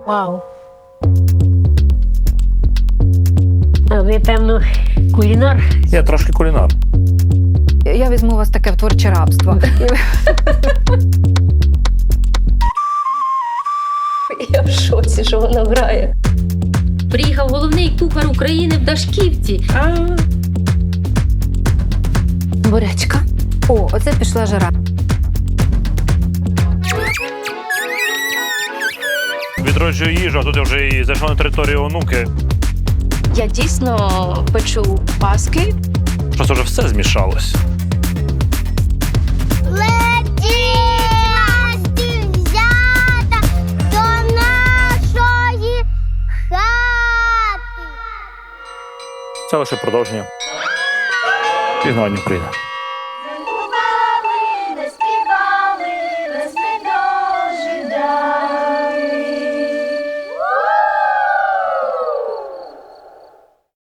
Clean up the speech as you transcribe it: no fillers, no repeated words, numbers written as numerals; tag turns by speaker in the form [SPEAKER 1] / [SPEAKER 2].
[SPEAKER 1] Вау. А ви, певно, кулінар?
[SPEAKER 2] Я трошки кулінар.
[SPEAKER 3] Я візьму вас таке в творче рабство.
[SPEAKER 4] Я в шоці, що вона грає.
[SPEAKER 5] Приїхав головний кухар України в Дашківці.
[SPEAKER 3] Бурячка. О, оце пішла жара.
[SPEAKER 2] Відроджую їжу, а тут я вже і зайшов на територію онуки.
[SPEAKER 4] Я дійсно печу паски.
[SPEAKER 2] Просто вже все змішалось.
[SPEAKER 6] Взята до нашої хати.
[SPEAKER 2] Це лише продовження. Пізнавання прийде.